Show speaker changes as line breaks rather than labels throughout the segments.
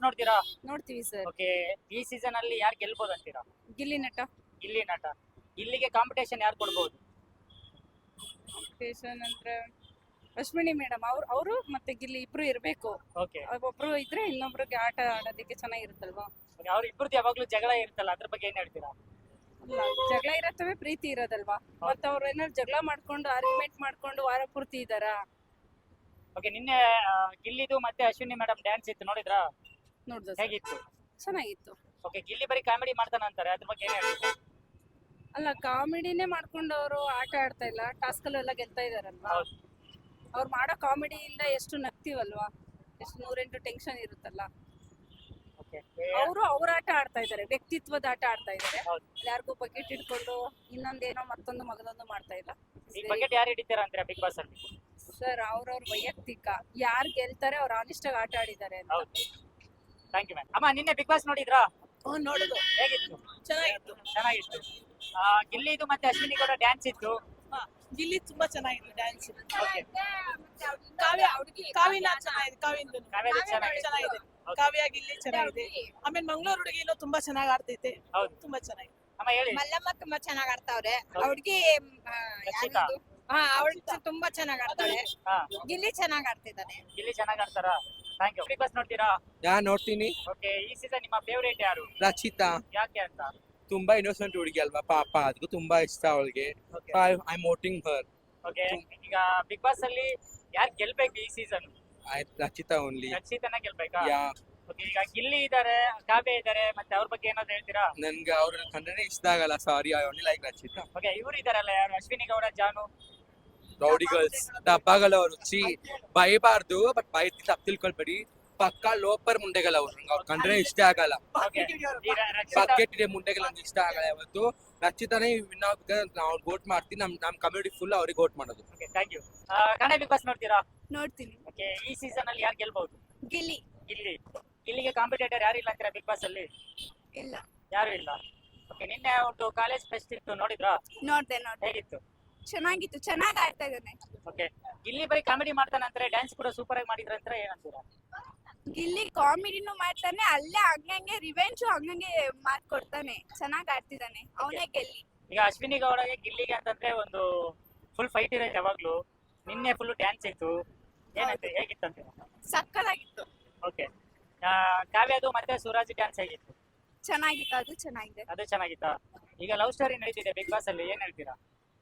ನೋಡ್ತೀರಾ?
ನೋಡ್ತೀವಿ sir.
Okay, ಈ ಸೀಸನ್ ಅಲ್ಲಿ ಯಾರು ಗೆಲ್ಬಹುದು ಅಂತೀರಾ?
ಗಿಲ್ಲಿ ನಟ.
ಗಿಲ್ಲಿ ನಟ. ಗಿಲ್ಲಿಗೆ ಕಾಂಪಿಟೇಷನ್ ಯಾರು ಕೊಡ್ಬೋದು?
ಸ್ಟೇಷನ್ ಅಂದ್ರೆ ಅಶ್ವಿನಿ ಮೇಡಮ್ ಅವರು ಮತ್ತೆ ಗಿಲ್ಲಿ ಇಬ್ರು ಇರ್ಬೇಕು.
ಓಕೆ,
ಒಬ್ರು ಇದ್ರೆ ಇನ್ನೊಬ್ರಿಗೆ ಆಟ ಆಡೋದಕ್ಕೆ ಚೆನ್ನಾಗಿರುತ್ತಲ್ವಾ?
ಅವ್ರ ಇಬ್ಬರದ್ದು ಯಾವಾಗ್ಲೂ ಜಗಳ ಇರುತ್ತಲ್ಲ, ಅದ್ರ ಬಗ್ಗೆ ಏನ್ ಹೇಳ್ತೀರಾ?
ಅಲ್ಲ, ಜಗಳ ಇರತ್ತವೆ, ಪ್ರೀತಿ ಇರೋದಲ್ವಾ? ಮತ್ತೆ ಅವ್ರು ಏನಾದ್ರು ಜಗಳ ಮಾಡ್ಕೊಂಡು ಆರ್ಗ್ಯುಮೆಂಟ್ ಮಾಡ್ಕೊಂಡು ವಾರ ಪೂರ್ತಿ ಇದಾರ?
ಓಕೆ, ನಿನ್ನೆ ಗಿಲ್ಲಿದು ಮತ್ತೆ ಅಶ್ವಿನಿ ಮೇಡಮ್ ಡ್ಯಾನ್ಸ್ ಇತ್ತು, ನೋಡಿದ್ರಾ?
ನೋಡ್ದ ಸರ್?
ಹೇಗಿತ್ತು?
ಚೆನ್ನಾಗಿತ್ತು.
ಓಕೆ, ಗಿಲ್ಲಿ ಬರೀ ಕಾಮಿಡಿ ಮಾಡ್ತಾನ ಅಂತಾರೆ, ಅದ್ರ ಬಗ್ಗೆ ಏನ್ ಹೇಳ್ತೀರಾ?
ಅಲ್ಲ, ಕಾಮಿಡಿನೇ ಮಾಡ್ಕೊಂಡು ಅವರು ಆಟ ಆಡ್ತಾ ಇಲ್ಲ, ಟಾಸ್ಕ್ ಅಲ್ಲೆಲ್ಲ ಗೆಲ್ತಾ ಇದಾರಲ್ವಾ?
ಹೌದು.
ಅವ್ರು ಮಾಡೋ ಕಾಮಿಡಿಯಿಂದ ಎಷ್ಟು ನಗ್ತೀವಲ್ವಾ? ಎಷ್ಟು 108 ಟೆನ್ಷನ್ ಇರುತ್ತಲ್ಲ.
ಓಕೆ,
ಅವ್ರ ಆಟ ಆಡ್ತಾ ಇದಾರೆ, ವ್ಯಕ್ತಿತ್ವದ ಆಟ ಆಡ್ತಾ ಇದಾರೆ.
ಹೌದು.
ಯಾರಿಗೂ ಬಕೆಟ್ ಇಟ್ಕೊಂಡು ಇನ್ನೊಂದೇನೋ ಮತ್ತೊಂದು ಮಗದೊಂದು ಮಾಡ್ತಾ ಇಲ್ಲ
ಈ ಬಕೆಟ್ ಯಾರು ಹಿಡಿತೀರಾ ಅಂತೀರಾ ಬಿಗ್ ಬಾಸ್ ಅಲ್ಲಿ?
ಸರ್. ಅವ್ರವ್ರ ವೈಯಕ್ತಿಕ, ಯಾರು ಗೆಲ್ತಾರೆ ಅವ್ರು ಆನೆಸ್ಟ್ ಆಗಿ ಆಟ ಆಡಿದ್ದಾರೆ ಅಂತ.
ಹೌದು. Thank you ma'am. ಅಮ್ಮ, ನಿನ್ನೆ ಬಿಗ್ ಬಾಸ್ ನೋಡಿದ್ರಾ?
ನೋಡುದು
ಹೇಗಿತ್ತು?
ಚೆನ್ನಾಗಿತ್ತು.
ಚೆನ್ನಾಗಿತ್ತು. ಗಿಲ್ಲಿದು ಮತ್ತೆ ಅಶ್ವಿನಿ ಗೌಡ ಡ್ಯಾನ್ಸ್ ಇತ್ತು.
ಗಿಲ್ಲಿ ತುಂಬಾ ಚೆನ್ನಾಗಿತ್ತು ಡ್ಯಾನ್ಸ್.
ಓಕೆ,
ಕಾವ್ಯನ ಚೆನ್ನಾಗಿದೆ. ಕಾವ್ಯಂದು
ಕಾವ್ಯದು ಚೆನ್ನಾಗಿದೆ.
ಚೆನ್ನಾಗಿದೆ.
Okay.
ಕಾವ್ಯ ಗಿಲ್ಲಿ ಚೆನ್ನಾಗಿದೆ. ಆಮೇಲೆ ಮಂಗಳೂರು ಹುಡುಗಿನೂ ತುಂಬಾ ಚೆನ್ನಾಗಿ ಆಡ್ತೈತೆ.
ಹೌದು.
ತುಂಬಾ ಚೆನ್ನಾಗಿದೆ.
ಅಮ್ಮ ಹೇಳಿ.
ಮಲ್ಲಮ್ಮ ತುಂಬಾ ಚೆನ್ನಾಗ್ ಆಡ್ತಾವ್ರೆ.
ಹೌದು.
ಅವ್ರಿಗೆ
ರಕ್ಷಿತಾ.
ಅವಳು ತುಂಬಾ ಚೆನ್ನಾಗ್ ಆಡ್ತಾಳೆ.
ಹಾ,
ಗಿಲ್ಲಿ ಚೆನ್ನಾಗ್ ಆಡ್ತಿದ್ದಾನೆ.
ಗಿಲ್ಲಿ ಚೆನ್ನಾಗಿ ಆಡ್ತಾರಾ? Thank you. ಬಿಗ್ ಬಾಸ್ ನೋಡ್ತೀರಾ?
ನೋಡ್ತೀನಿ.
ಓಕೆ, ಈ ಸೀಸನ್ ನಿಮ್ಮ ಫೇವರೇಟ್ ಯಾರು?
ರಚಿತಾ
ಯಾಕೆ ಅಂತ?
ತುಂಬಾ ಇನ್ನೋಸೆಂಟ್ ಹುಡುಗಿ ಅಲ್ವಾ, ಪಾಪ ಅದಕ್ಕೂ ತುಂಬಾ ಇಷ್ಟ ಅವಳಿಗೆ.
Okay,
I voting her.
Okay, ಈಗ ಬಿಗ್ ಬಾಸ್ ಅಲ್ಲಿ ಯಾರು ಗೆಲ್ಬೇಕು ಈ ಸೀಸನ್?
ರಚಿತಾ ಓನ್ಲಿ.
ರಕ್ಷಿತನ ಗೆಲ್ಬೇಕಾ?
ಯಾ,
ಓಕೆ, ಈಗ ಗಿಲ್ಲಿ ಇದಾರೆ, ಕಾವ್ಯ ಇದಾರೆ, ಮತ್ತೆ ಅವ್ರ ಬಗ್ಗೆ ಏನಾದ್ರು ಹೇಳ್ತೀರಾ?
ನನ್ಗೆ ಅವ್ರ ಕಂಡ್ರೆ ಇಷ್ಟ ಆಗಲ್ಲ. Sorry, I only like Rachita.
Okay, ಇವ್ರು ಇದಾರಲ್ಲ, ಯಾರು? ಅಶ್ವಿನಿ ಗೌಡ, ಜಾನು.
ರೌಡಿ ಗರ್ಲ್ಸ್, ಡಬ್ಬಗಳವರು. ಬೈಬಾರ್ದು, ಬಟ್ ಬೈತಿ ತಪ್ಪು ತಿಳ್ಕೊಳ್ಬೇಡಿ. ಪಕ್ಕಾ ಲೋಪರ್ ಮುಂಡೆಗಳ ಅವ್ರು, ಅವ್ರ ಕಂಡ್ರೆ ಇಷ್ಟ ಆಗಲ್ಲ.
ಓಕೆ, ಈ ರಕ್ಷಿತಾ.
ಬಕೆಟ್ ಇದೆ ಮುಂಡೆಗಳ ನಂಗೆ ಇಷ್ಟ ಆಗಲ್ಲ ಯಾವತ್ತು. ರಚಿತಾನೇ ವಿನ್ ಆಗುತ್ತೆ. ನಾವು ವೋಟ್ ಮಾಡ್ತೀನಿ. ನಮ್ ಕಮ್ಯುನಿಟಿ ಫುಲ್ ಅವ್ರಿಗೆ ವೋಟ್ ಮಾಡೋದು.
Okay, thank you. Kannada Bigg Boss ನೋಡ್ತೀರಾ?
ನೋಡ್ತೀನಿ.
ಓಕೆ, ಈ ಸೀಸನ್ ಅಲ್ಲಿ ಯಾರು ಗೆಲ್ಬಹುದು?
ಗಿಲ್ಲಿ.
ಗಿಲ್ಲಿಗೆ ಕಾಂಪಿಟೇಟರ್ ಯಾರು ಇಲ್ಲ ಅಂತೀರಾ ಬಿಗ್ ಬಾಸ್ ಅಲ್ಲಿ?
ಇಲ್ಲ.
ಯಾರು ಇಲ್ಲ. ಓಕೆ, ನಿನ್ನೆ ಒಂದು ಕಾಲೇಜ್ ಫೆಸ್ಟ್ ಇತ್ತು, ನೋಡಿದ್ರಾ?
ನೋಡ್ದೆ.
ಹೇಗಿತ್ತು?
ಚೆನ್ನಾಗಿತ್ತು, ಚೆನ್ನಾಗ್ ಆಡ್ತಾ ಇದ್ದಾನೆ.
ಓಕೆ, ಗಿಲ್ಲಿ ಬರೀ ಕಾಮಿಡಿ ಮಾಡ್ತಾನೆ ಅಂತಾರೆ, ಡ್ಯಾನ್ಸ್ ಕೂಡ ಸೂಪರ್ ಆಗಿ ಮಾಡಿದ್ರ ಅಂತಾರೆ, ಏನಂತೀರಾ?
ಗಿಲ್ಲಿ ಕಾಮಿಡಿನೂ ಮಾಡ್ತಾನೆ, ಅಲ್ಲೇ ಹಂಗಂಗೆ ರಿವೆಂಜು ಹಂಗಂಗೆ ಮಾತ್ ಕೊಡ್ತಾನೆ. ಚೆನ್ನಾಗ್ ಆಡ್ತಿದ್ದಾನೆ, ಅವನೇ ಗೆಲ್ಲಿ.
ಈಗ ಅಶ್ವಿನಿ ಗೌಡಗೆ ಗಿಲ್ಲಿಗೆ ಅಂತಂದ್ರೆ ಒಂದು ಫುಲ್ ಫೈಟ್ ಇರೋದು ಯಾವಾಗ್ಲೂ. ನಿನ್ನೆ ಫುಲ್ ಡ್ಯಾನ್ಸ್ ಇತ್ತು, ಏನಂತೆ, ಹೇಗಿತ್ತಂತೆ?
ಸಕ್ಕತ್ತಾಗಿತ್ತು.
ಓಕೆ, ಕಾವ್ಯದು ಮತ್ತೆ ಸೂರಾಜ್ ಡ್ಯಾನ್ಸ್ ಹೇಗಿತ್ತು?
ಚೆನ್ನಾಗಿತ್ತು, ಅದು ಚೆನ್ನಾಗಿದೆ.
ಅದು ಚೆನ್ನಾಗಿತ್ತಾ? ಈಗ ಲವ್ ಸ್ಟೋರಿ ನಡೀತಿದೆ ಬಿಗ್ ಬಾಸ್ ಅಲ್ಲಿ, ಏನ್ ಹೇಳ್ತೀರಾ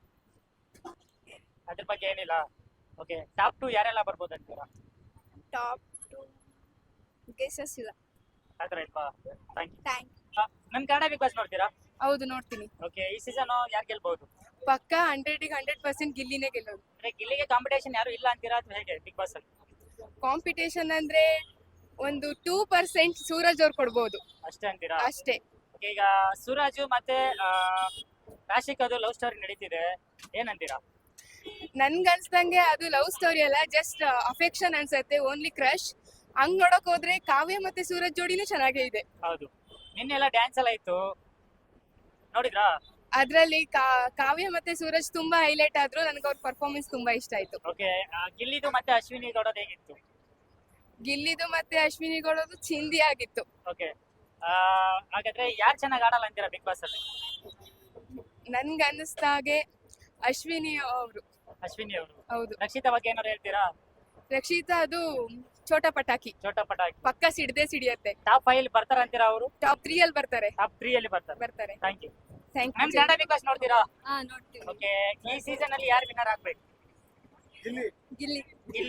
ಅದ್ರ ಬಗ್ಗೆ? ಏನಿಲ್ಲ. ಓಕೆ, ಟಾಪ್ 2 ಯಾರೆಲ್ಲ ಬರ್ಬೋದು ಅಂತೀರಾ?
ಟಾಪ್ 2 ಗೆಸಸ್ ಇಲ್ಲ.
ಆತರ ಇಲ್ವಾ? Thank you.
ಥ್ಯಾಂಕ್.
ನಮ್ ಕನ್ನಡ ಬಿಗ್ ಬಾಸ್ ನೋಡ್ತೀರಾ?
ಹೌದು, ನೋಡ್ತೀನಿ.
ಓಕೆ, ಈ ಸೀಸನ್ ಯಾರು ಗೆಲ್ಬಹುದು?
ಪಕ್ಕ 100% ಗಿಲ್ಲಿನೇ ಗೆಲ್ಲೋದು.
ಅಂದ್ರೆ ಗಿಲ್ಲಿಗೆ ಕಾಂಪಿಟೇಷನ್ ಯಾರು ಇಲ್ಲ ಅಂತೀರಾ ಅಥವಾ ಹೇಗೆ ಬಿಗ್ ಬಾಸ್ ಅಲ್ಲಿ?
ಕಾಂಪಿಟೇಷನ್ ಅಂದ್ರೆ ಒಂದು 2% ಸೂರಜ್ ಅವ್ರು ಕೊಡ್ಬೋದು
ಅಷ್ಟೇ ಅಂತೀರಾ?
ಅಷ್ಟೇ.
Okay, ಈಗ ಸೂರಾಜು ಮತ್ತೆ ರಾಶಿಕ್ ಅದು ಲವ್ ಸ್ಟೋರಿ ನಡೀತಿದೆ, ಏನಂತೀರಾ?
ನನ್ಗನ್ಸ್ದಂಗೆ ಅದು ಲವ್ ಸ್ಟೋರಿ ಅಲ್ಲ, ಜಸ್ಟ್ ಅಫೆಕ್ಷನ್ ಅನ್ಸತ್ತೆ, ಓನ್ಲಿ ಕ್ರಶ್. ಹಂಗ್ ನೋಡಕ್ ಹೋದ್ರೆ ಕಾವ್ಯ ಮತ್ತೆ ಸೂರಜ್ ಜೋಡಿನೂ ಚೆನ್ನಾಗೇ ಇದೆ.
ಹೌದು, ನಿನ್ನೆ ಎಲ್ಲ ಡ್ಯಾನ್ಸ್ ಎಲ್ಲ ಇತ್ತು, ನೋಡಿದ್ರಾ?
ಅದ್ರಲ್ಲಿ ಕಾವ್ಯ ಮತ್ತೆ ಸೂರಜ್ ತುಂಬಾ ಹೈಲೈಟ್ ಆದ್ರು. ನನ್ಗೆ ಅವ್ರ ಪರ್ಫಾರ್ಮೆನ್ಸ್ ತುಂಬಾ ಇಷ್ಟ ಆಯ್ತು.
ಓಕೆ, ಗಿಲ್ಲಿದು ಮತ್ತೆ ಅಶ್ವಿನಿ ಗೌಡದು ಹೇಗಿತ್ತು?
ಗಿಲ್ಲಿದು ಮತ್ತೆ ಅಶ್ವಿನಿ ಗೌಡದು ಚಿಂದಿ ಆಗಿತ್ತು.
ಓಕೆ, ಹಾಗಾದ್ರೆ ಯಾರು ಚೆನ್ನಾಗಿ ಆಡಲ್ಲ ಅಂತೀರಾ ಬಿಗ್ ಬಾಸ್ ಅಲ್ಲಿ?
ನನ್ಗೆ ಅನ್ನಿಸ್ದಾಗೆ ಅಶ್ವಿನಿ ಅವರು.
ಅಶ್ವಿನಿ ಅವರು.
ಹೌದು.
ರಕ್ಷಿತಾ ಬಗ್ಗೆ ಏನಾದ್ರು ಹೇಳ್ತೀರಾ?
ರಕ್ಷಿತಾ ಅದು ಚೋಟಾ ಪಟಾಕಿ,
ಚೋಟಾ ಪಟಾಕಿ.
ಪಕ್ಕ ಸಿಡಿಯುತ್ತೆ.
ಟಾಪ್ 5 ಬರ್ತಾರ ಅಂತೀರಾ ಅವರು?
ಟಾಪ್ 3 ಅಲ್ಲಿ ಬರ್ತಾರೆ.
ಟಾಪ್ 3 ಅಲ್ಲಿ ಬರ್ತಾರೆ. Thank you.
ಥ್ಯಾಂಕ್
ನಮ್
ಯು.
ಕನ್ನಡ ಬಿಗ್ ಬಾಸ್ ನೋಡ್ತೀರಾ?
ನೋಡ್ತೀವಿ.
ಓಕೆ, ಈ ಸೀಸನ್ ಅಲ್ಲಿ ಯಾರು ವಿನ್ನರ್ ಆಗ್ಬೇಕು?
ಗಿಲ್ಲಿ.
ಗಿಲ್ಲಿ.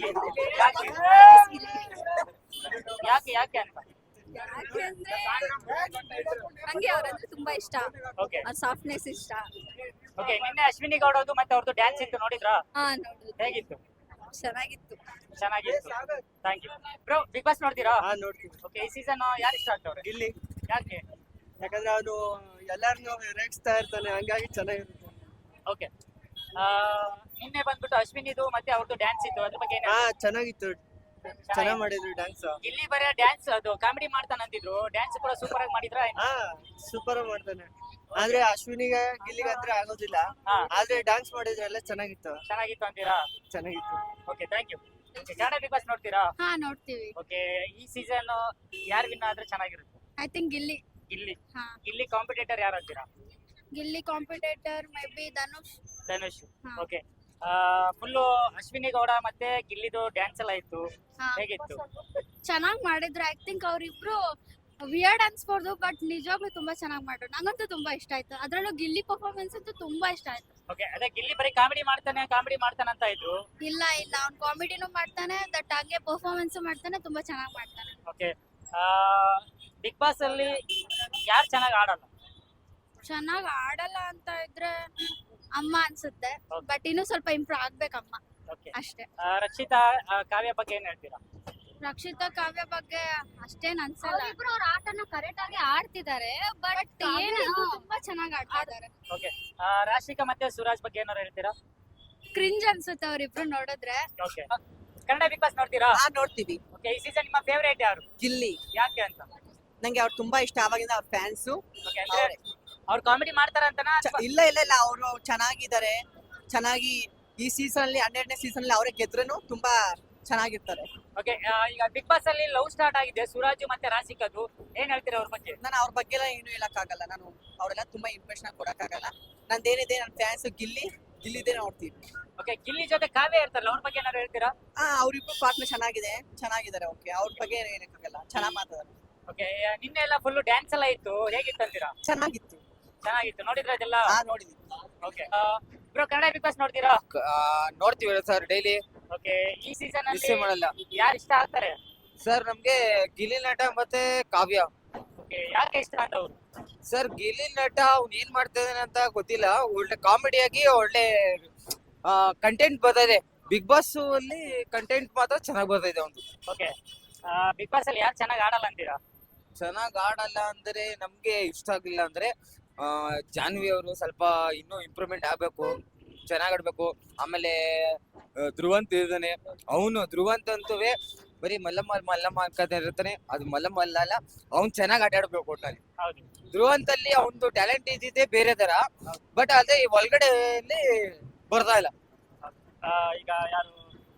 ಯಾಕೆ ಅಂತ?
ಯಾಕೆಂದ್ರೆ ನಂಗೆ ಅವ್ರಂದ್ರೆ ತುಂಬಾ ಇಷ್ಟ.
ಓಕೆ,
ಅವ್ರ ಸಾಫ್ಟ್ನೆಸ್ ಇಷ್ಟ.
ಓಕೆ, ನಿನ್ನೆ ಅಶ್ವಿನಿ ಗೌಡದು ಮತ್ತೆ ಅವ್ರದ್ದು ಡ್ಯಾನ್ಸ್ ಇತ್ತು, ನೋಡಿದ್ರಾ?
ನೋಡುದು.
ಹೇಗಿತ್ತು?
ಚೆನ್ನಾಗಿತ್ತು.
Thank you. Bro, Bigg Boss ನೋಡ್ತೀರಾ?
ನೋಡ್ತೀನಿ.
ಓಕೆ, ಈ ಸೀಸನ್ ಯಾರು ಇಷ್ಟ ಆಗ್ತವ್ರೆ?
ಗಿಲ್ಲಿ.
ಯಾಕೆ?
ಯಾಕಂದ್ರೆ ಅವನು ಎಲ್ಲಾರನ್ನೂ ರೇಗಿಸ್ತಾ ಇರ್ತಾನೆ, ಹಂಗಾಗಿ ಚೆನ್ನಾಗಿರುತ್ತೆ.
ಓಕೆ, ನಿನ್ನೆ ಬಂದ್ಬಿಟ್ಟು ಅಶ್ವಿನಿದು ಮತ್ತೆ ಅವ್ರದ್ದು ಡ್ಯಾನ್ಸ್ ಇತ್ತು, ಅದ್ರ ಬಗ್ಗೆ
ಚೆನ್ನಾಗಿತ್ತು. ಚೆನ್ನಾಗಿ ಮಾಡಿದ್ರು ಡ್ಯಾನ್ಸ್.
ಇಲ್ಲಿ ಬರೀ ಡ್ಯಾನ್ಸ್ ಅದು ಕಾಮಿಡಿ ಮಾಡ್ತಾನೆ ಅಂತಿದ್ರು, ಡ್ಯಾನ್ಸ್ ಕೂಡ ಸೂಪರ್ ಆಗಿ ಮಾಡಿದ್ರ?
ಸೂಪರ್ ಆಗಿ ಮಾಡ್ತಾನೆ. ಆದ್ರೆ ಅಶ್ವಿನಿಗೆ ಗಿಲ್ಲಿಗೆ ಅಂದ್ರೆ ಆಗೋದಿಲ್ಲ.
ಹಾ.
ಆದ್ರೆ ಡ್ಯಾನ್ಸ್ ಮಾಡಿದ್ರೆ ಎಲ್ಲ ಚೆನ್ನಾಗಿತ್ತು
ಚೆನ್ನಾಗಿತ್ತು ಅಂತೀರಾ?
ಚೆನ್ನಾಗಿತ್ತು.
Okay, thank you. Kannada Bigg Boss ನೋಡ್ತೀರಾ?
ಹಾ ನೋಡ್ತೀವಿ.
ಓಕೆ, ಈ ಸೀಸನ್ ಯಾರು ವಿನ್ ಆದ್ರೆ ಚೆನ್ನಾಗಿರುತ್ತೆ?
I think Gilli.
ಗಿಲ್ಲಿ.
ಹಾ.
ಗಿಲ್ಲಿ ಕಾಂಪಿಟೇಟರ್ ಯಾರು ಅಂತೀರಾ?
Gilli competitor may be Dhanush.
Dhanush.
ಹಾ.
ಓಕೆ, ಫುಲ್ಲು ಅಶ್ವಿನಿ ಗೌಡ ಮತ್ತೆ ಗಿಲ್ಲಿದು ಡ್ಯಾನ್ಸ್ ಎಲ್ಲ ಇತ್ತು,
ಹಾ.
ಹೇಗಿತ್ತು?
ಚೆನ್ನಾಗ್ ಮಾಡಿದ್ರು. ಐ ಥಿಂಕ್ ಅವ್ರಿಬ್ರು ವಿಯರ್ಡ್ ಅನ್ಸ್ಬೋದು ಬಟ್ ನಿಜವಾಗ್ಲೂ ತುಂಬಾ ಚೆನ್ನಾಗ್ ಮಾಡ್ರು. ನಂಗಂತೂ ತುಂಬಾ ಇಷ್ಟ ಆಯ್ತು. ಅದ್ರಲ್ಲೂ ಗಿಲ್ಲಿ ಪರ್ಫಾರ್ಮೆನ್ಸ್ ಅಂತೂ ತುಂಬಾ ಇಷ್ಟ ಆಯ್ತು.
ಓಕೆ, ಅದೇ ಗಿಲ್ಲಿ ಬರೀ ಕಾಮಿಡಿ ಮಾಡ್ತಾನೆ ಅಂತ ಇದ್ರು.
ಇಲ್ಲ ಅವ್ನ್ ಕಾಮಿಡಿನೂ ಮಾಡ್ತಾನೆ ದಟ್ ಹಂಗೆ ಪರ್ಫಾರ್ಮೆನ್ಸ್ ಮಾಡ್ತಾನೆ, ತುಂಬಾ ಚೆನ್ನಾಗ್ ಮಾಡ್ತಾನೆ.
ಓಕೆ, ಬಿಗ್ ಬಾಸ್ ಅಲ್ಲಿ ಯಾರು ಚೆನ್ನಾಗಿ ಆಡಲ್ಲ?
ಚೆನ್ನಾಗ್ ಆಡಲ್ಲ ಅಂತ ಇದ್ರೆ ಅಮ್ಮ ಅನ್ಸುತ್ತೆ.
Okay.
ಬಟ್ ಇನ್ನೂ ಸ್ವಲ್ಪ ಇಂಪ್ರೂವ್ ಆಗ್ಬೇಕಮ್ಮ
ಓಕೆ,
ಅಷ್ಟೇ.
ರಕ್ಷಿತಾ ಕಾವ್ಯ ಬಗ್ಗೆ ಏನ್ ಹೇಳ್ತೀರಾ?
ರಕ್ಷಿತಾ ಕಾವ್ಯ ಬಗ್ಗೆ ಅಷ್ಟೇನ್ ಅನ್ಸಲ್ಲ. ಇಬ್ರು ಅವ್ರ ಆಟನ ಕರೆಕ್ಟ್ ಆಗಿ ಆಡ್ತಿದ್ದಾರೆ ಬಟ್ ತುಂಬಾ ಚೆನ್ನಾಗಿ ಆಡ್ತಾ ಇದಾರೆ.
ಓಕೆ, ರಾಶಿಕಾ ಮತ್ತೆ ಸುರಾಜ್ ಬಗ್ಗೆ ಏನಾರು ಹೇಳ್ತೀರಾ?
ಕ್ರಿಂಜ್ ಅನ್ಸುತ್ತೆ ಅವ್ರಿಬ್ರು ನೋಡಿದ್ರೆ.
ಓಕೆ, ಕನ್ನಡ ಬಿಗ್ ಬಾಸ್ ನೋಡ್ತೀರಾ?
ನೋಡ್ತೀವಿ.
ಓಕೆ, ಈ ಸೀಸನ್ ನಿಮ್ಮ ಫೇವರೇಟ್ ಯಾರು?
ಗಿಲ್ಲಿ.
ಯಾಕೆ ಅಂತ?
ನಂಗೆ ಅವ್ರು ತುಂಬಾ ಇಷ್ಟ, ಅವಾಗಿಂದ ಅವ್ರ ಫ್ಯಾನ್ಸು.
ಓಕೆ, ಅಂದ್ರೆ ಅವ್ರು ಕಾಮಿಡಿ ಮಾಡ್ತಾರ ಅಂತನಾ?
ಇಲ್ಲ ಅವರು ಚೆನ್ನಾಗಿದ್ದಾರೆ. ಚೆನ್ನಾಗಿ ಈ ಸೀಸನ್ ಅಲ್ಲಿ 12ನೇ ಸೀಸನ್ ಅಲ್ಲಿ ಅವರೇ ಗೆದ್ರೂ ತುಂಬಾ ಚೆನ್ನಾಗಿರ್ತಾರೆ.
ಓಕೆ, ಈಗ ಬಿಗ್ ಬಾಸ್ ಅಲ್ಲಿ ಲವ್ ಸ್ಟಾರ್ಟ್ ಆಗಿದೆ ಸುರಾಜ್ ಮತ್ತೆ ರಾಶಿಕಾದು, ಏನ್ ಹೇಳ್ತೀರಾ ಅವ್ರ ಬಗ್ಗೆ?
ನಾನು ಅವ್ರ ಬಗ್ಗೆ ಎಲ್ಲ ಏನು ಹೇಳಕ್ಕಾಗಲ್ಲ. ನಾನು ಅವರೆಲ್ಲ ತುಂಬಾ ಇಂಪ್ರೆಷನ್ ಕೊಡಕ್ಕಾಗಲ್ಲ. ನಂದೇನಿದೆ ನನ್ನ ಫ್ಯಾನ್ಸ್ ಗಿಲ್ಲಿದೇ ನೋಡ್ತೀವಿ.
ಓಕೆ, ಗಿಲ್ಲಿ ಜೊತೆ ಕಾವ್ಯ ಇರ್ತಾರಲ್ಲ, ಅವ್ರ ಬಗ್ಗೆ ಏನಾರು ಹೇಳ್ತೀರಾ?
ಅವ್ರಿಬ್ರು ಪಾರ್ಟ್ನರ್ ಚೆನ್ನಾಗಿದ್ದಾರೆ. ಓಕೆ, ಅವ್ರ ಬಗ್ಗೆ ಏನು ಹೇಳಕ್ಕಾಗಲ್ಲ, ಚೆನ್ನಾಗಿ ಮಾತಾಡ್ತಾರೆ.
ಓಕೆ, ನಿನ್ನೆ ಎಲ್ಲ ಫುಲ್ ಡ್ಯಾನ್ಸ್ ಎಲ್ಲ ಇತ್ತು, ಹೇಗಿತ್ತು ಅಂತೀರಾ?
ಚೆನ್ನಾಗಿತ್ತು.
ನೋಡಿದ್ರ ಅದೆಲ್ಲ?
ನೋಡಿದ್ವಿ.
Okay, bro Kannada Bigg Boss ನೋಡ್ತೀರಾ?
ನೋಡ್ತೀವಿ ಸರ್ ಡೈಲಿ.
ಓಕೆ, ಈ ಸೀಸನ್
ಮಿಸ್
ಅಲ್ಲಿ
ಮಾಡಲ್ಲ
ಯಾರು ಇಷ್ಟ ಆಗ್ತಾರೆ?
ಸರ್. ನಮ್ಗೆ ಗಿಲ್ಲಿ ನಟ ಮತ್ತೆ ಕಾವ್ಯ.
ಓಕೆ, ಯಾಕೆ ಇಷ್ಟ ಅಂತ ಅವ್ರು?
ಸರ್ ಗಿಲ್ಲಿ ನಟ ಅವ್ನು ಏನ್ ಮಾಡ್ತಾ ಇದ್ದಾನೆ ಅಂತ ಗೊತ್ತಿಲ್ಲ. ಒಳ್ಳೆ ಕಾಮಿಡಿಯಾಗಿ ಒಳ್ಳೆ ಕಂಟೆಂಟ್ ಬರ್ತಾ ಬಿಗ್ ಬಾಸ್ ಅಲ್ಲಿ. ಕಂಟೆಂಟ್ ಮಾತ್ರ ಚೆನ್ನಾಗಿ ಬರ್ತಾ ಇದೆ ಅವ್ನು.
ಓಕೆ, ಬಿಗ್ ಬಾಸ್ ಅಲ್ಲಿ ಯಾರು ಚೆನ್ನಾಗಿ ಆಡಲ್ಲ ಅಂತೀರಾ?
ಚೆನ್ನಾಗಿ ಆಡಲ್ಲ ಅಂದ್ರೆ ನಮ್ಗೆ ಇಷ್ಟ ಆಗಿಲ್ಲ ಅಂದ್ರೆ ಜಾನ್ವಿ ಅವರು ಸ್ವಲ್ಪ ಇನ್ನೂ ಇಂಪ್ರೂವ್ಮೆಂಟ್ ಆಗ್ಬೇಕು, ಚೆನ್ನಾಗ್ ಆಡ್ಬೇಕು. ಆಮೇಲೆ ಧ್ರುವಂತ್ ಇದ್ದಾನೆ, ಅವನು ಧ್ರುವಂತ್ ಅಂತುವೆ ಬರೀ ಮಲ್ಲಮ್ಮ ಅನ್ಕೋತಾ ಇರ್ತಾನೆ. ಅದು ಮಲ್ಲಮ್ಮ ಅಲ್ಲ, ಅವ್ನು ಚೆನ್ನಾಗಿ ಆಟ ಆಡ್ಬೇಕು ಒಟ್ನಲ್ಲಿ.
ಹೌದು.
ಧ್ರುವಂತ್ ಅಲ್ಲಿ ಅವನದು ಟ್ಯಾಲೆಂಟ್ ಇದ್ದಿದ್ದೆ ಬೇರೆ ತರ, ಬಟ್ ಅದೇ ಒಳಗಡೆ ಬರ್ತಾ ಇಲ್ಲ.
ಈಗ ಯಾರು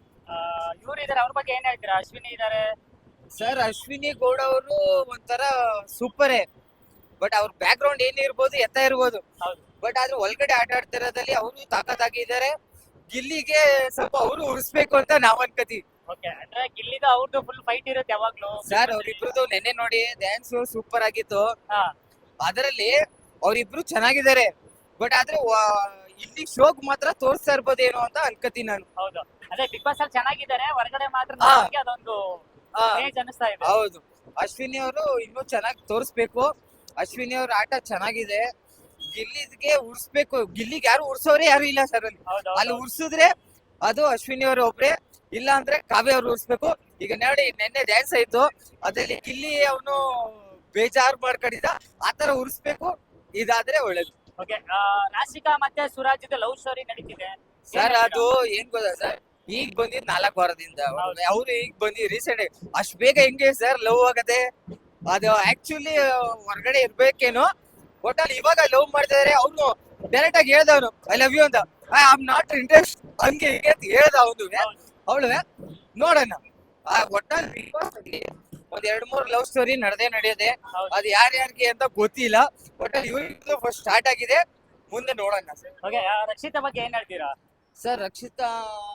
ಇವ್ರು ಇದಾರೆ, ಅವ್ರ ಬಗ್ಗೆ ಏನ್ ಹೇಳ್ತೀರಾ? ಅಶ್ವಿನಿ ಇದಾರೆ.
ಸರ್ ಅಶ್ವಿನಿ ಗೌಡ ಅವರು ಒಂಥರ ಸೂಪರೇ, ಬಟ್ ಅವ್ರ ಬ್ಯಾಕ್ ಗ್ರೌಂಡ್ ಏನಿರ್ಬೋದು ಎತ್ತ ಇರ್ಬೋದು,
ಹೌದು.
ಬಟ್ ಆದ್ರೆ ಒಳಗಡೆ ಆಟ ಆಡ್ತಿರೋದ್ರಲ್ಲಿ ಅವರು ತಾಕತ್ತಾಗಿದ್ದಾರೆ. ಗಿಲ್ಲಿಗೆ ಸ್ವಲ್ಪ ಅವರು ಉಳಿಸ್ಬೇಕು ಅಂತ ನಾವ್ ಅನ್ಕೋತೀವಿ.
ಓಕೆ, ಅಂದ್ರೆ ಗಿಲ್ಲಿದು ಅವ್ರದ್ದು ಫುಲ್ ಫೈಟ್ ಇರುತ್ತೆ ಯಾವಾಗ್ಲೂ.
ಸರ್ ಅವ್ರಿಬ್ರದ್ದು ನೆನ್ನೆ ನೋಡಿ ಡ್ಯಾನ್ಸ್ ಸೂಪರ್ ಆಗಿತ್ತು.
ಹಾ.
ಅದರಲ್ಲಿ ಅವ್ರಿಬ್ರು ಚೆನ್ನಾಗಿದ್ದಾರೆ, ಬಟ್ ಆದ್ರೆ ಇಲ್ಲಿ ಶೋಕ್ ಮಾತ್ರ ತೋರಿಸ್ತಾ ಇರ್ಬೋದೇನೋ ಅಂತ ಅನ್ಕೋತೀನಿ ನಾನು.
ಹೌದು, ಅದೇ ಬಿಗ್ ಬಾಸ್ ಅಲ್ಲಿ ಚೆನ್ನಾಗಿದ್ದಾರೆ, ಹೊರಗಡೆ ಮಾತ್ರ
ಹಾ.
ನಮ್ಗೆ ಅದೊಂದು ಕ್ರೇಜ್ ಅನಿಸ್ತಾ ಇದೆ.
ಹೌದು, ಅಶ್ವಿನಿ ಅವರು ಇನ್ನೂ ಚೆನ್ನಾಗಿ ತೋರಿಸ್ಬೇಕು. ಅಶ್ವಿನಿ ಅವ್ರ ಆಟ ಚೆನ್ನಾಗಿದೆ, ಗಿಲ್ಲಿಗೆ ಉರ್ಸ್ಬೇಕು. ಗಿಲ್ಲಿಗೆ ಯಾರು ಉರ್ಸೋರೆ ಯಾರು ಇಲ್ಲ ಸರ್ ಅಲ್ಲಿ.
ಹೌದು,
ಅಲ್ಲಿ
ಹೌದು.
ಉರ್ಸಿದ್ರೆ ಅದು ಅಶ್ವಿನಿ ಅವರು ಒಬ್ರೆ, ಇಲ್ಲ ಅಂದ್ರೆ ಕಾವ್ಯ ಅವ್ರು ಉರ್ಸ್ಬೇಕು. ಈಗ ನೋಡಿ ನೆನ್ನೆ ಡ್ಯಾನ್ಸ್ ಆಯ್ತು, ಅದ್ರಲ್ಲಿ ಗಿಲ್ಲಿ ಅವನು ಬೇಜಾರು ಮಾಡ್ಕೊಂಡಿದ್ದ, ಆತರ ಉರ್ಸ್ಬೇಕು. ಇದಾದ್ರೆ ಒಳ್ಳೇದು.
ಓಕೆ, ರಾಶಿಕಾ ಮತ್ತೆ ಸುರಾಜ್ ಲವ್ ಸ್ಟೋರಿ ನಡೀತಿದೆ
ಸರ್ ಅದು ಏನ್ ಗೊತ್ತಾ ಸರ್, ಈಗ ಬಂದಿದ್ 4 ವಾರದಿಂದ ಅವ್ರು ಈಗ ಬಂದಿ ರೀಸೆಂಟ್. ಅಷ್ಟ್ ಬೇಗ ಹೆಂಗೆ ಸರ್ ಲವ್ ಆಗತ್ತೆ? ಅದು ಆಕ್ಚುಲಿ ಹೊರಗಡೆ ಇರ್ಬೇಕೇನೋ, ಒಟ್ಟಲ್ಲಿ ಇವಾಗ ಲವ್ ಮಾಡ್ತಾ ಇದಾರೆ. ಅವ್ನು ಡೈರೆಕ್ಟ್ ಆಗಿ ಹೇಳ್ದವನು ಐ ಲವ್ ಯು ಅಂತ, ಐ ಆಮ್ ನಾಟ್ ಇಂಟ್ರೆಸ್ಟ್ ಹಂಗೆ ಹೀಗೆ ಅಂತ ಹೇಳ್ದ ಅವನು. ಅವಳು ನೋಡೋಣ. ಒಟ್ಟಲ್ಲಿ ಒಂದ್ 2-3 ಲವ್ ಸ್ಟೋರಿ ನಡೆಯೋದೆ. ಅದು ಯಾರ್ಯಾರಿಗೆ ಅಂತ ಗೊತ್ತಿಲ್ಲ, ಒಟ್ಟಲ್ಲಿ ಇವ್ರಿಗೆ ಫಸ್ಟ್ ಸ್ಟಾರ್ಟ್ ಆಗಿದೆ, ಮುಂದೆ ನೋಡೋಣ ಸರ್.
ಓಕೆ, ರಕ್ಷಿತಾ ಬಗ್ಗೆ ಏನ್ ಹೇಳ್ತೀರಾ?
ಸರ್ ರಕ್ಷಿತಾ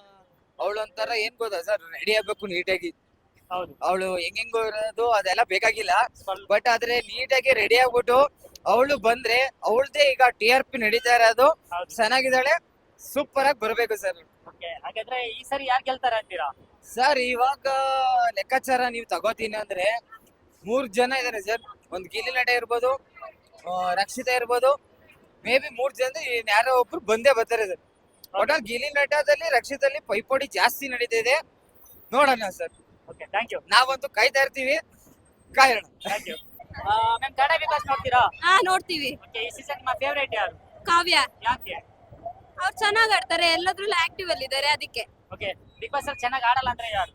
ಅವಳೊಂಥರ ಏನ್ ಗೊತ್ತಾ ಸರ್, ರೆಡಿ ಆಗ್ಬೇಕು ನೀಟಾಗಿ.
ಹೌದು,
ಅವಳು ಹೆಂಗೋ ಇರೋದು ಅದೆಲ್ಲ ಬೇಕಾಗಿಲ್ಲ, ಬಟ್ ಆದ್ರೆ ನೀಟಾಗಿ ರೆಡಿ ಆಗ್ಬಿಟ್ಟು ಅವಳು ಬಂದ್ರೆ ಅವಳದೇ ಈಗ TRP ನಡೀತಾ ಇರೋದು.
ಹೌದು.
ಚೆನ್ನಾಗಿದ್ದಾಳೆ, ಸೂಪರ್ ಆಗಿ ಬರ್ಬೇಕು ಸರ್.
ಓಕೆ, ಹಾಗಾದ್ರೆ ಈ ಸರಿ ಯಾರು ಗೆಲ್ತಾರೆ ಅಂತೀರಾ?
ಸರ್ ಇವಾಗ ಲೆಕ್ಕಾಚಾರ ನೀವು ತಗೋತೀನಿ ಅಂದ್ರೆ 3 ಜನ ಇದಾರೆ ಸರ್. ಒಂದ್ ಗಿಲ್ಲಿ ನಟ ಇರ್ಬೋದು, ರಕ್ಷಿತಾ ಇರ್ಬೋದು, ಮೇ ಬಿ 3 ಜನ ಯಾರೋ ಒಬ್ರು ಬಂದೇ ಬರ್ತಾರೆ ಸರ್. ಒಟ್ನಲ್ಲಿ ಗಿಲ್ಲಿ ನಟದಲ್ಲಿ ರಕ್ಷಿತಲ್ಲಿ ಪೈಪೋಟಿ ಜಾಸ್ತಿ ನಡೀತಿದೆ, ನೋಡೋಣ ಸರ್.
Okay, thank you.
ನಾವಂತೂ ಕಾಯ್ತಾ ಇರ್ತೀವಿ, ಕಾಯೋಣ.
Thank you. Ma'am Kannada Bigg Boss ನೋಡ್ತೀರಾ?
ಹಾ ನೋಡ್ತೀವಿ.
ಓಕೆ, ಈ ಸೀಸನ್ ನಿಮ್ಮ ಫೇವರೇಟ್ ಯಾರು?
ಕಾವ್ಯ.
ಯಾಕೆ?
ಅವ್ರು ಚೆನ್ನಾಗ್ ಆಡ್ತಾರೆ, ಎಲ್ಲದ್ರಲ್ಲೂ ಆಕ್ಟಿವ್ ಅಲ್ಲಿ ಇದಾರೆ ಅದಕ್ಕೆ.
ಓಕೆ, ಬಿಗ್ ಬಾಸ್ ಅಲ್ಲಿ ಚೆನ್ನಾಗಿ ಆಡಲ್ಲ ಅಂದ್ರೆ ಯಾರು?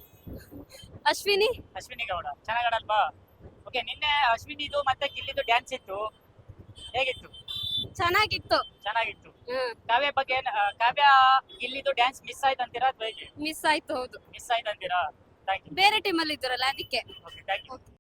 ಅಶ್ವಿನಿ.
ಅಶ್ವಿನಿ ಗೌಡ ಚೆನ್ನಾಗಿ ಆಡಲ್ವಾ? ಓಕೆ, ನಿನ್ನೆ ಅಶ್ವಿನಿದು ಮತ್ತೆ ಗಿಲ್ಲಿದು ಡ್ಯಾನ್ಸ್ ಇತ್ತು, ಹೇಗಿತ್ತು?
ಚೆನ್ನಾಗಿತ್ತು.
ಚೆನ್ನಾಗಿತ್ತು. ಕಾವ್ಯ ಬಗ್ಗೆ ಕಾವ್ಯ ಗಿಲ್ಲಿದು ಡ್ಯಾನ್ಸ್ ಮಿಸ್ ಆಯ್ತು ಅಂತೀರಾ ಅಥವಾ ಹೇಗೆ
ಮಿಸ್ ಆಯ್ತು, ಹೌದು.
ಮಿಸ್ ಆಯ್ತು ಅಂತೀರಾ? Thank you.
ಬೇರೆ ಟೀಮ್ ಅಲ್ಲಿ ಇದ್ರಲ್ಲ ಅದಕ್ಕೆ.
Okay thank you.